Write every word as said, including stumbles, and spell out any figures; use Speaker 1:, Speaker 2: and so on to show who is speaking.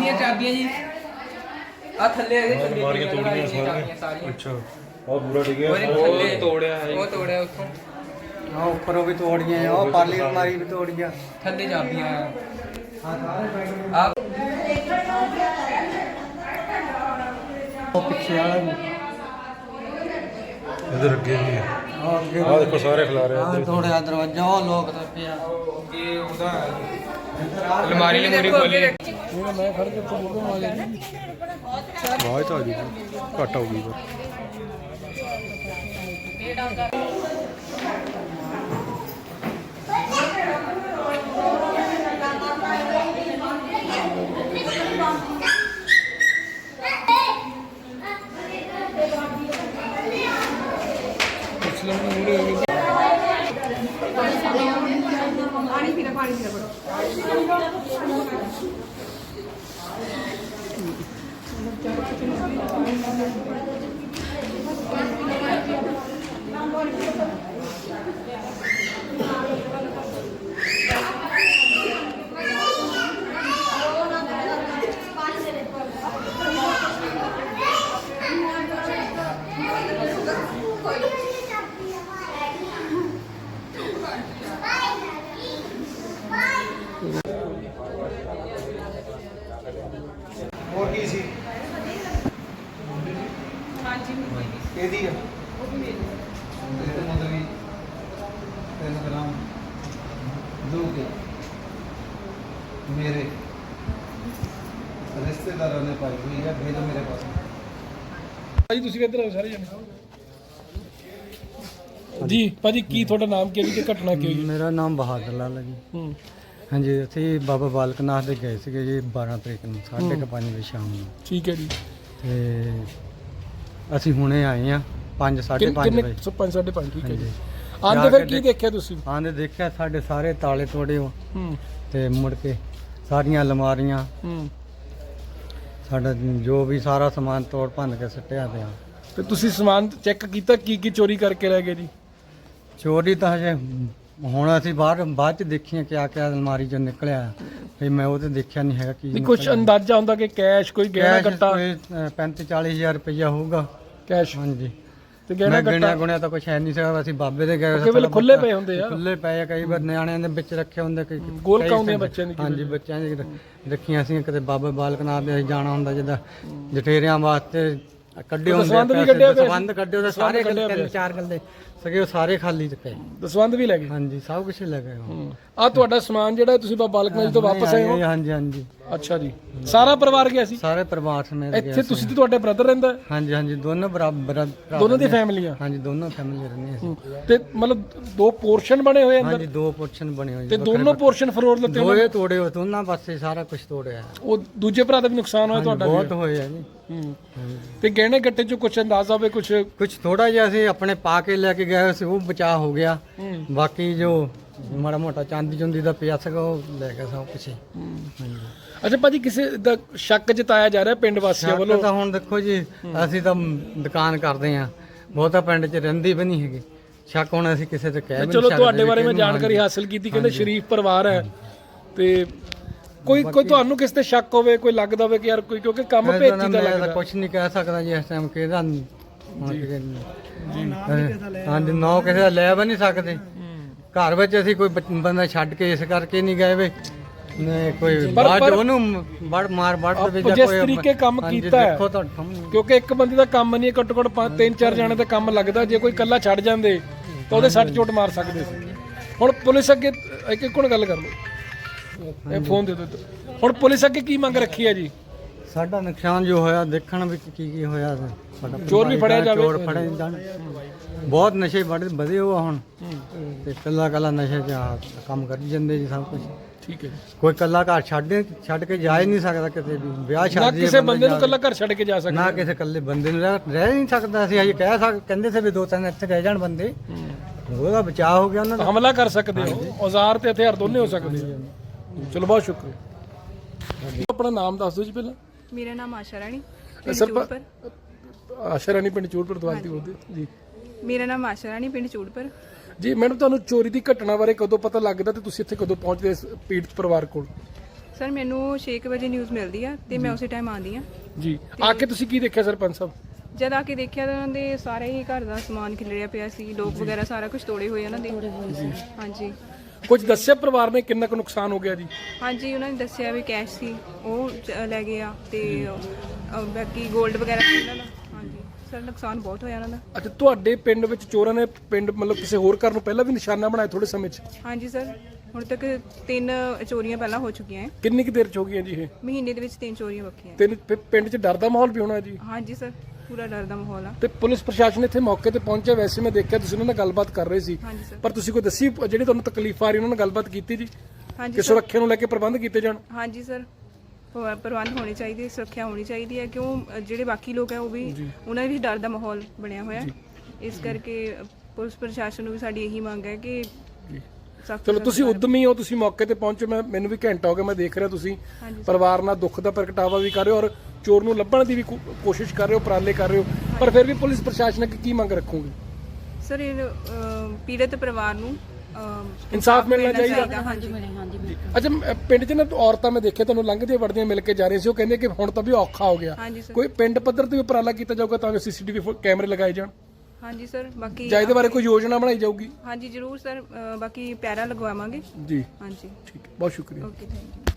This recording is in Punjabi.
Speaker 1: ਦੀਆਂ ਚਾਬੀਆਂ ਜੀ ਆ ਥੱਲੇ ਇਹਦੇ ਥੱਲੇ ਮਾਰ ਕੇ ਤੋੜੀਆਂ ਸਾਰੀਆਂ। ਅੱਛਾ ਉਹ ਪੂਰਾ ਡਿੱਗਿਆ, ਉਹ ਤੋੜਿਆ ਹੈ, ਉਹ ਤੋੜਿਆ ਉੱਥੋਂ।
Speaker 2: हाँ ऊपर भी तोड़िए और पाली अलमारी भी तोड़िया
Speaker 1: थल्ले चाबियां आप
Speaker 2: पीछे वाला भी
Speaker 3: इधर अगे भी है। आ देखो सारे खिला रहे हैं।
Speaker 2: थोड़े दरवाजा और लोग तो पिया
Speaker 1: ये उदा अलमारी ने मेरी खोली है।
Speaker 2: मैं खड़ के तो बोलूं वाले
Speaker 3: आवाज तो आ गई, घट हो गई।
Speaker 4: पानी पीना पानी पीना पड़ो
Speaker 2: और की सी
Speaker 4: हाँ जी
Speaker 2: ਇਹਦੀ ਆ ਇਹਦੇ ਮਤਲਬ ਵੀ ਤਿੰਨ ਗ੍ਰਾਮ ਦੋ ਕੇ ਮੇਰੇ ਰਿਸ਼ਤੇਦਾਰਾਂ ਨੇ ਪਾਈ ਹੋਈ ਹੈ, ਭੇਜੋ ਮੇਰੇ ਪਾਸ।
Speaker 5: ਭਾਜੀ ਤੁਸੀਂ ਵੀ ਇੱਧਰ ਆਓ ਸਾਰੇ ਜਣੇ ਜੀ। ਭਾਜੀ ਕੀ ਤੁਹਾਡਾ ਨਾਮ ਕੀ ਹੈ ਜੀ ਤੇ ਘਟਨਾ ਕੀ ਹੋਈ?
Speaker 2: ਮੇਰਾ ਨਾਮ ਬਹਾਦਰ ਲਾਲ ਹੈ ਜੀ।
Speaker 5: ਹੂੰ
Speaker 2: ਹਾਂਜੀ ਅਸੀਂ ਬਾਬਾ ਬਾਲਕ ਨਾਥ ਦੇ ਗਏ ਸੀਗੇ ਜੀ ਬਾਰਾਂ ਤਰੀਕ ਨੂੰ ਸਾਢੇ ਕੁ ਪੰਜ ਵਜੇ ਸ਼ਾਮ ਨੂੰ,
Speaker 5: ਠੀਕ ਹੈ ਜੀ।
Speaker 2: ਤੇ ਅਸੀਂ ਹੁਣੇ ਆਏ ਆ ਪੰਜ ਸਾਢੇ ਪੰਜ
Speaker 5: ਕਿੰਨੇ
Speaker 2: ਵਜੇ।
Speaker 5: ਸੌ ਪੰਜ ਸਾਢੇ ਪੰਜ ਠੀਕ ਹੈ ਜੀ।
Speaker 2: ਹਾਂਜੀ।
Speaker 5: ਆਂਦੇ ਫਿਰ ਕੀ ਦੇਖਿਆ ਤੁਸੀਂ?
Speaker 2: ਆਂਦੇ ਦੇਖਿਆ ਸਾਡੇ ਸਾਰੇ ਤਾਲੇ ਤੋੜੇ ਹੋ
Speaker 5: ਹੂੰ
Speaker 2: ਤੇ ਮੁੜ ਕੇ ਸਾਰੀਆਂ ਅਲਮਾਰੀਆਂ
Speaker 5: ਹੂੰ
Speaker 2: ਸਾਡਾ ਜੋ ਵੀ ਸਾਰਾ ਸਮਾਨ ਤੋੜ ਭੰਨ ਕੇ ਸੁੱਟਿਆ ਪਿਆ।
Speaker 5: ਤੇ ਤੁਸੀਂ ਸਮਾਨ ਚੈੱਕ ਕੀਤਾ ਕੀ ਕੀ ਚੋਰੀ ਕਰਕੇ ਲੈ ਗਏ ਜੀ?
Speaker 2: ਚੋਰੀ ਤਾਂ ਹਜੇ ਹੁਣ ਅਸੀਂ ਬਾਹਰ ਬਾਅਦ ਚ ਦੇਖੀਆਂ ਕਿਆ ਕਿਆ ਅਲਮਾਰੀ ਚੋਂ ਨਿਕਲਿਆ, ਫਿਰ ਮੈਂ ਉਹ ਤੇ ਦੇਖਿਆ ਨਹੀਂ ਹੈਗਾ ਕੀ
Speaker 5: ਨਹੀਂ ਕੁਝ ਅੰਦਾਜ਼ਾ ਹੁੰਦਾ ਕਿ ਕੈਸ਼ ਕੋਈ ਗਹਿਣਾ ਕੱਟਾ
Speaker 2: ਪੈਂਤੀ ਚਾਲੀ ਹਜ਼ਾਰ ਰੁਪਇਆ ਹੋਊਗਾ
Speaker 5: ਕੈਸ਼?
Speaker 2: ਹਾਂਜੀ।
Speaker 5: ਤੇ ਗਹਿਣਾ
Speaker 2: ਮੈਂ
Speaker 5: ਕੱਟਾ
Speaker 2: ਗਿਣਿਆ ਗੁਣਿਆ ਤਾਂ ਕੁਛ ਹੈ ਨਹੀਂ ਸੀਗਾ, ਅਸੀਂ ਬਾਬੇ ਦੇ ਗਏ
Speaker 5: ਕਈ ਵੇਲੇ ਖੁੱਲੇ ਪਏ ਹੁੰਦੇ ਆ,
Speaker 2: ਖੁੱਲੇ ਪਏ ਆ, ਕਈ ਵਾਰ ਨਿਆਣਿਆਂ ਦੇ ਵਿੱਚ ਰੱਖੇ ਹੁੰਦੇ, ਕਈ
Speaker 5: ਗੋਲ ਕਾਉਂਦੇ ਬੱਚਿਆਂ ਦੀ।
Speaker 2: ਹਾਂਜੀ ਬੱਚਿਆਂ ਦੀ ਰੱਖੀਆਂ ਸੀ। ਕਿਤੇ ਬਾਬਾ ਬਾਲਕ ਨਾਥ ਦੇ ਅਸੀਂ ਜਾਣਾ ਹੁੰਦਾ ਜਿੱਦਾਂ ਜਠੇਰਿਆਂ ਵਾਸਤੇ ਕੱਢੇ ਹੁੰਦੇ
Speaker 5: ਦਸਵੰਧ ਵੀ ਕੱਢਿਆ ਪਿਆ,
Speaker 2: ਦਸਵੰਧ ਕੱਢੇ ਉਹਦੇ ਸਾਰੇ ਤਿੰਨ ਚਾਰ ਗੱਲੇ ਸਗੇ ਉਹ ਸਾਰੇ ਖਾਲੀ ਚ ਪਏ।
Speaker 5: ਦਸਵੰਧ ਵੀ ਲੈ ਗਏ?
Speaker 2: ਹਾਂਜੀ ਸਭ ਕੁਝ ਲੈ ਗਏ।
Speaker 5: ਆ ਤੁਹਾਡਾ ਸਮਾਨ ਜਿਹੜਾ ਤੁਸੀਂ ਬਾਬਾ ਬਾਲਕ ਨਾਥ ਤੋਂ ਵਾਪਸ ਆਏ ਹੋ?
Speaker 2: ਹਾਂਜੀ ਹਾਂਜੀ
Speaker 5: ਅੱਛਾ ਜੀ। ਸਾਰਾ ਪਰਿਵਾਰ ਗਿਆ ਸੀ?
Speaker 2: ਸਾਰੇ ਪਰਿਵਾਰ ਸਮੇਤ ਗਏ
Speaker 5: ਇੱਥੇ ਤੁਸੀਂ ਤੇ ਤੁਹਾਡੇ ਬ੍ਰਦਰ ਰਹਿੰਦਾ?
Speaker 2: ਹਾਂਜੀ ਹਾਂਜੀ ਦੋਨੋਂ ਬਰਾਬਰ
Speaker 5: ਦੋਨੋਂ ਦੀ ਫੈਮਲੀਆਂ?
Speaker 2: ਹਾਂਜੀ ਦੋਨੋਂ ਫੈਮਿਲੀ ਰਹਿੰਦੇ ਅਸੀਂ।
Speaker 5: ਤੇ ਮਤਲਬ ਦੋ ਪੋਰਸ਼ਨ ਬਣੇ ਹੋਏ ਅੰਦਰ?
Speaker 2: ਹਾਂਜੀ ਦੋ ਪੋਰਸ਼ਨ ਬਣੇ ਹੋਏ
Speaker 5: ਤੇ ਦੋਨੋਂ ਪੋਰਸ਼ਨ ਫਲੋਰ ਲੱਤੇ ਹੋਏ?
Speaker 2: ਦੋਏ ਤੋੜੇ ਹੋ ਦੋਨਾਂ ਪਾਸੇ ਸਾਰਾ ਕੁਝ ਤੋੜਿਆ।
Speaker 5: ਉਹ ਦੂਜੇ ਭਰਾ ਦਾ ਵੀ ਨੁਕਸਾਨ ਹੋਇਆ ਤੁਹਾਡਾ?
Speaker 2: ਬਹੁਤ ਹੋਇਆ ਜੀ।
Speaker 5: ਹੂੰ ਤੇ ਗਹਿਣੇ ਗੱਟੇ ਚੋਂ ਕੁਝ ਅੰਦਾਜ਼ਾ ਹੋਵੇ? ਕੁਝ
Speaker 2: ਕੁਝ ਥੋੜਾ ਜਿਹਾ ਅਸੀਂ ਆਪਣੇ ਪਾ ਕੇ ਲੈ ਕੇ ਗਏ ਸੀ, ਉਹ ਬਚਾ ਹੋ ਗਿਆ। ਬਾਕੀ ਜੋ ਮਾੜਾ ਮੋਟਾ ਚਾਂਦੀ ਚੁੰਦੀ ਦਾ ਪਿਆ ਸੀਗਾ ਉਹ ਲੈ ਗਿਆ ਸਭ ਕੁਝ। ਹਾਂਜੀ।
Speaker 5: ਅੱਛਾ ਭਾਜੀ ਕਿਸੇ ਦਾ ਸ਼ੱਕ ਜਤਾਇਆ ਜਾ ਰਿਹਾ ਪਿੰਡ ਵਾਸੀਆਂ ਵੱਲੋਂ?
Speaker 2: ਤਾਂ ਹੁਣ ਦੇਖੋ ਜੀ ਅਸੀਂ ਤਾਂ ਦੁਕਾਨ ਕਰਦੇ ਆ, ਬਹੁਤਾ ਪਿੰਡ 'ਚ ਰਹਿੰਦੀ ਵੀ ਨਹੀਂ ਹੈਗੀ। ਸ਼ੱਕ ਹੁਣ ਅਸੀਂ ਕਿਸੇ ਤੇ ਕਹਿ ਵੀ ਨਹੀਂ
Speaker 5: ਚਲੋ
Speaker 2: ਸਕਦੇ।
Speaker 5: ਤੁਹਾਡੇ ਬਾਰੇ ਮੈਂ ਜਾਣਕਾਰੀ ਹਾਸਲ ਕੀਤੀ, ਕਹਿੰਦੇ ਸ਼ਰੀਫ ਪਰਿਵਾਰ ਹੈ ਤੇ ਕੋਈ ਕੋਈ ਤੁਹਾਨੂੰ ਕਿਸ ਤੇ ਸ਼ੱਕ ਹੋਵੇ, ਕੋਈ ਲੱਗਦਾ ਹੋਵੇ ਕਿ ਯਾਰ ਕੋਈ, ਕਿਉਂਕਿ ਕੰਮ ਭੇਤੀ ਦਾ ਲੱਗਦਾ।
Speaker 2: ਕੁਝ ਨਹੀਂ ਕਹਿ ਸਕਦਾ ਜੀ ਇਸ ਟਾਈਮ ਕਿਹਦਾ ਹਾਂਜੀ ਨੌ ਕਿਸੇ ਦਾ ਲੈ ਵੀ ਨਹੀਂ ਸਕਦੇ। ਘਰ ਵਿੱਚ ਅਸੀਂ ਕੋਈ ਬੰਦਾ ਛੱਡ ਕੇ ਇਸ ਕਰਕੇ ਨਹੀਂ ਗਏ ਵੇ ਕੋਈ ਬਾਅਦ ਉਹਨੂੰ ਵੜ ਮਾਰ ਵੜ ਦੇ ਵਿੱਚ
Speaker 5: ਜਿਸ ਤਰੀਕੇ ਕੰਮ ਕੀਤਾ ਹੈ, ਕਿਉਂਕਿ ਇੱਕ ਬੰਦੇ ਦਾ ਕੰਮ ਨਹੀਂ, ਘੱਟੋ ਘੱਟ ਤਿੰਨ ਚਾਰ ਜਣੇ ਦਾ ਕੰਮ ਲੱਗਦਾ। ਜੇ ਕੋਈ ਇਕੱਲਾ ਛੱਡ ਜਾਂਦੇ ਤਾਂ ਉਹਦੇ ਸੱਟ ਚੋਟ ਮਾਰ ਸਕਦੇ ਸੀ। ਹੁਣ ਪੁਲਿਸ ਅੱਗੇ ਇੱਕ ਇੱਕ ਹੁਣ ਗੱਲ ਕਰ ਲਓ, ਇਹ ਫੋਨ ਦੇ ਦਿਓ। ਹੁਣ ਪੁਲਿਸ ਅੱਗੇ ਕੀ ਮੰਗ ਰੱਖੀ ਹੈ ਜੀ?
Speaker 2: ਸਾਡਾ ਨੁਕਸਾਨ ਜੋ ਹੋਇਆ ਦੇਖਣ ਵਿੱਚ ਕੀ ਕੀ ਹੋਇਆ, ਸਾਡਾ
Speaker 5: ਚੋਰ ਵੀ ਫੜਿਆ ਜਾਵੇ।
Speaker 2: ਚੋਰ ਫੜੇ ਜਾਣ। ਬਹੁਤ ਨਸ਼ੇ ਬੜੇ ਵਧੇ ਹੋ ਹੁਣ ਤੇ ਕੱਲਾ ਕੱਲਾ ਨਸ਼ੇ 'ਚ ਕੰਮ ਕਰੀ ਜਾਂਦੇ ਜੀ ਸਭ ਕੁਝ।
Speaker 5: ਠੀਕ ਹੈ।
Speaker 2: ਕੋਈ ਕੱਲਾ ਘਰ ਛੱਡ ਛੱਡ ਕੇ ਜਾ ਹੀ ਨਹੀਂ ਸਕਦਾ ਕਿਤੇ ਵੀ। ਵਿਆਹ ਸ਼ਾਦੀ
Speaker 5: ਕਿਸੇ ਬੰਦੇ ਨੂੰ ਕੱਲਾ ਘਰ ਛੱਡ ਕੇ ਜਾ ਸਕਦਾ
Speaker 2: ਨਾ, ਕਿਸੇ ਕੱਲੇ ਬੰਦੇ ਨੂੰ ਰਹਿ ਨਹੀਂ ਸਕਦਾ। ਅਸੀਂ ਅਜੇ ਕਹਿ ਸਕ ਕਹਿੰਦੇ ਸੀ ਵੀ ਦੋ ਤਿੰਨ ਇੱਥੇ ਰਹਿ ਜਾਣ ਬੰਦੇ, ਉਹਦਾ ਬਚਾਅ ਹੋ ਗਿਆ। ਉਹਨਾਂ ਦਾ
Speaker 5: ਹਮਲਾ ਕਰ ਸਕਦੇ ਹੋ, ਔਜ਼ਾਰ ਤੇ ਹਥਿਆਰ ਦੋਨੇ ਹੋ ਸਕਦੇ ਹੋ। ਚਲੋ ਬਹੁਤ ਸ਼ੁਕਰੀਆ। ਆਪਣਾ ਨਾਮ ਦੱਸ ਦਿਓ ਜੀ ਪਹਿਲਾਂ।
Speaker 4: मेरा नाम आशा रानी
Speaker 5: सर आशा रानी पिंड चूड़पुर ਤੋਂ ਆਂਟੀ ਬੋਲਦੇ ਜੀ।
Speaker 4: मेरा नाम आशा रानी पिंड चूड़पुर
Speaker 5: ਜੀ। ਮੈਡਮ ਤੁਹਾਨੂੰ ਚੋਰੀ ਦੀ ਘਟਨਾ ਬਾਰੇ ਕਦੋਂ ਪਤਾ ਲੱਗਦਾ ਤੇ ਤੁਸੀਂ ਇੱਥੇ ਕਦੋਂ ਪਹੁੰਚਦੇ ਇਸ ਪੀੜਤ ਪਰਿਵਾਰ ਕੋਲ?
Speaker 4: ਸਰ ਮੈਨੂੰ ਛੇ ਕੁ ਵਜੇ ਨਿਊਜ਼ ਮਿਲਦੀ ਆ ਤੇ ਮੈਂ ਉਸੇ ਟਾਈਮ ਆਉਂਦੀ ਆ।
Speaker 5: ਜੀ ਆ ਕੇ ਤੁਸੀਂ ਕੀ ਦੇਖਿਆ ਸਰਪੰਚ ਸਾਹਿਬ?
Speaker 4: ਜਦ ਆ ਕੇ ਦੇਖਿਆ ਤਾਂ ਉਹਨਾਂ ਦੇ ਸਾਰੇ ਹੀ ਘਰ ਦਾ ਸਮਾਨ ਖਿਲਰਿਆ ਪਿਆ ਸੀ, ਲੋਕ ਵਗੈਰਾ ਸਾਰਾ ਕੁਝ ਤੋੜੇ ਹੋਏ ਉਹਨਾਂ ਦੇ। ਹਾਂਜੀ
Speaker 5: ਕੁਝ ਦੱਸਿਆ ਪਰਿਵਾਰ ਨੇ ਕਿੰਨਾ ਕੁ ਨੁਕਸਾਨ ਹੋ ਗਿਆ ਜੀ?
Speaker 4: ਹਾਂਜੀ ਉਹਨਾਂ ਨੇ ਦੱਸਿਆ ਵੀ ਕੈਸ਼ ਸੀ ਉਹ ਚ- ਲੈ ਗਏ ਆ ਤੇ ਅ, ਬਾਕੀ 골ਡ ਵਗੈਰਾ ਸੀ ਉਹਨਾਂ ਦਾ। ਹਾਂਜੀ ਸਰ ਨੁਕਸਾਨ ਬਹੁਤ ਹੋਇਆ ਉਹਨਾਂ ਦਾ।
Speaker 5: ਅੱਛਾ ਤੁਹਾਡੇ ਪਿੰਡ ਵਿੱਚ ਚੋਰਾਂ ਨੇ ਪਿੰਡ ਮਤਲਬ ਕਿਸੇ ਹੋਰ ਘਰ ਨੂੰ ਪਹਿਲਾਂ ਵੀ ਨਿਸ਼ਾਨਾ ਬਣਾਇਆ ਥੋੜੇ ਸਮੇਂ 'ਚ?
Speaker 4: ਹਾਂਜੀ ਸਰ ਹੁਣ ਤੱਕ ਤਿੰਨ ਚੋਰੀਆਂ ਪਹਿਲਾਂ ਹੋ ਚੁੱਕੀਆਂ ਹੈ।
Speaker 5: ਕਿੰਨੀ ਕੁ ਦੇਰ 'ਚ ਹੋ ਗਈਆਂ ਜੀ ਇਹ?
Speaker 4: ਮਹੀਨੇ ਦੇ ਵਿੱਚ ਤਿੰਨ ਚੋਰੀਆਂ ਬੱਕੀਆਂ।
Speaker 5: ਤਿੰਨ ਪਿ- ਪਿੰਡ 'ਚ ਡਰ ਦਾ ਮਾਹੌਲ ਵੀ ਹੋਣਾ ਜੀ?
Speaker 4: ਹਾਂਜੀ ਸਰ ਪੂਰਾ ਡਰ ਦਾ ਮਾਹੌਲ ਆ।
Speaker 5: ਤੇ ਪੁਲਿਸ ਪ੍ਰਸ਼ਾਸਨ ਇੱਥੇ ਮੌਕੇ ਤੇ ਪਹੁੰਚਿਆ? ਵੈਸੇ ਮੈਂ ਦੇਖਿਆ ਤੁਸੀਂ ਉਹਨਾਂ ਨਾਲ ਗੱਲਬਾਤ ਕਰ ਰਹੇ ਸੀ,
Speaker 4: ਹਾਂਜੀ ਸਰ
Speaker 5: ਪਰ ਤੁਸੀਂ ਕੋਈ ਦੱਸੀ ਜਿਹੜੀ ਤੁਹਾਨੂੰ ਤਕਲੀਫ ਆ ਰਹੀ ਉਹਨਾਂ ਨਾਲ ਗੱਲਬਾਤ ਕੀਤੀ ਜੀ
Speaker 4: ਹਾਂਜੀ
Speaker 5: ਕਿ
Speaker 4: ਸਰ
Speaker 5: ਸੁਰੱਖਿਆ ਨੂੰ ਲੈ ਕੇ ਪ੍ਰਬੰਧ ਕੀਤੇ ਜਾਣ?
Speaker 4: ਹਾਂਜੀ ਸਰ ਪ- ਪ੍ਰਬੰਧ ਹੋਣੇ ਚਾਹੀਦੇ, ਸੁਰੱਖਿਆ ਹੋਣੀ ਚਾਹੀਦੀ ਹੈ ਕਿਉਂ ਅ, ਜਿਹੜੇ ਬਾਕੀ ਲੋਕ ਹੈ ਉਹ ਵੀ ਉਹਨਾਂ ਦੇ ਵੀ ਡਰ ਦਾ ਮਾਹੌਲ ਬਣਿਆ ਹੋਇਆ ਹੈ। ਇਸ ਕਰਕੇ ਅ, ਪੁਲਿਸ ਪ੍ਰਸ਼ਾਸਨ ਨੂੰ ਵੀ ਸਾਡੀ ਇਹੀ ਮੰਗ ਹੈ ਕਿ ਸਖਤ
Speaker 5: ਚਲੋ ਤੁਸੀਂ ਉਦਮੀ ਹੋ, ਤੁਸੀਂ ਮੌਕੇ ਤੇ ਪਹੁੰਚੇ। ਮੈਂ ਮੈਨੂੰ ਵੀ ਘੰਟਾ ਹੋ ਗਿਆ ਮੈਂ ਦੇਖ ਰਿਹਾ ਤੁਸੀਂ
Speaker 4: ਹਾਂਜੀ
Speaker 5: ਪਰਿਵਾਰ ਨਾਲ ਦੁੱਖ ਦਾ ਪ੍ਰਗਟਾਵਾ ਵੀ ਕਰ ਰਹੇ ਹੋ ਔਰ ਚੋਰ ਨੂੰ ਲੱਭਣ ਦੀ ਵੀ ਕੋ- ਕੋਸ਼ਿਸ਼ ਕਰ ਰਹੇ ਹੋ, ਉਪਰਾਲੇ ਕਰ ਰਹੇ ਹੋ, ਪਰ ਫਿਰ ਵੀ ਪੁਲਿਸ ਪ੍ਰਸ਼ਾਸਨ ਅੱਗੇ ਕੀ ਮੰਗ ਰੱਖੋਗੇ?
Speaker 4: ਸਰ ਇਹ ਅ, ਪੀੜਤ ਪਰਿਵਾਰ ਨੂੰ ਅ,
Speaker 5: ਇਨਸਾਫ ਮਿਲਣਾ ਚਾਹੀਦਾ।
Speaker 4: ਹਾਂਜੀ
Speaker 5: ਅੱਛਾ ਮ- ਪਿੰਡ 'ਚ ਨਾ ਔਰਤਾਂ ਮੈਂ ਦੇਖਿਆ ਤੁਹਾਨੂੰ ਲੰਘਦੀਆਂ ਵੜਦੀਆਂ ਮਿਲ ਕੇ ਜਾ ਰਹੀਆਂ ਸੀ, ਉਹ ਕਹਿੰਦੇ ਕਿ ਹੁਣ ਤਾਂ ਵੀ ਔਖਾ ਹੋ ਗਿਆ।
Speaker 4: ਹਾਂਜੀ ਸਰ
Speaker 5: ਕੋਈ ਪਿੰਡ ਪੱਧਰ ਤੇ ਵੀ ਉਪਰਾਲਾ ਕੀਤਾ ਜਾਊਗਾ ਤਾਂ ਜੋ ਸੀਸੀਟੀਵੀ ਕੈਮਰੇ ਲਗਾਏ ਜਾਣ
Speaker 4: ਹਾਂਜੀ ਸਰ ਬਾਕੀ
Speaker 5: ਜਾਂ ਇਹਦੇ ਬਾਰੇ ਕੋਈ ਯੋਜਨਾ ਬਣਾਈ ਜਾਊਗੀ?
Speaker 4: ਹਾਂਜੀ ਜ਼ਰੂਰ ਸਰ ਅ, ਬਾਕੀ ਪੈਰਾ ਲਗਵਾਵਾਂਗੇ।
Speaker 5: ਜੀ
Speaker 4: ਹਾਂਜੀ
Speaker 5: ਠੀਕ ਹੈ, ਬਹੁਤ ਸ਼ੁਕਰੀਆ।
Speaker 4: Okay thank you.